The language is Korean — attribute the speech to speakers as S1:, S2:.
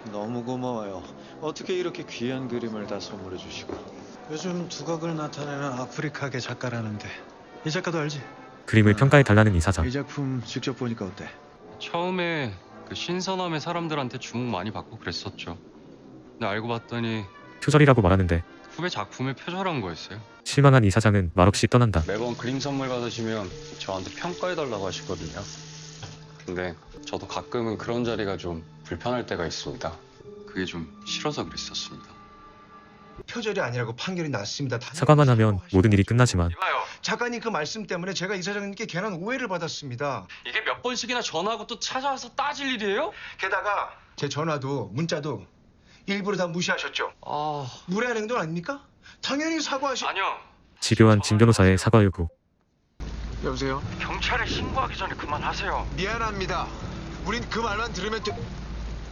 S1: 너무 고마워요. 어떻게 이렇게 귀한 그림을 다 선물해 주시고. 요즘 두각을 나타내는 아프리카계 작가라는데 이 작가도 알지?
S2: 그림을 평가해달라는 이 사장.
S1: 이 작품 직접 보니까 어때?
S3: 처음에 그 신선함의 사람들한테 주목 많이 받고 그랬었죠. 근데 알고 봤더니
S2: 표절이라고 말하는데
S3: 후배 작품을 표절한 거였어요.
S2: 실망한 이 사장은 말없이 떠난다.
S3: 매번 그림 선물 받으시면 저한테 평가해달라고 하시거든요. 근데 저도 가끔은 그런 자리가 좀 불편할 때가 있습니다. 그게 좀 싫어서 그랬었습니다.
S4: 표절이 아니라고 판결이 났습니다.
S2: 사과만 하면 모든 일이 끝나지만
S3: 이봐요.
S4: 작가님 그 말씀 때문에 제가 이사장님께 괜한 오해를 받았습니다.
S3: 이게 몇 번씩이나 전화하고 또 찾아와서 따질 일이에요?
S4: 게다가 제 전화도 문자도 일부러 다 무시하셨죠.
S3: 아...
S4: 무례한 행동 아닙니까? 당연히
S3: 아니요.
S2: 집요한 진 변호사의 사과 요구.
S4: 여보세요?
S3: 경찰에 신고하기 전에 그만하세요.
S4: 미안합니다. 우린 그 말만 들으면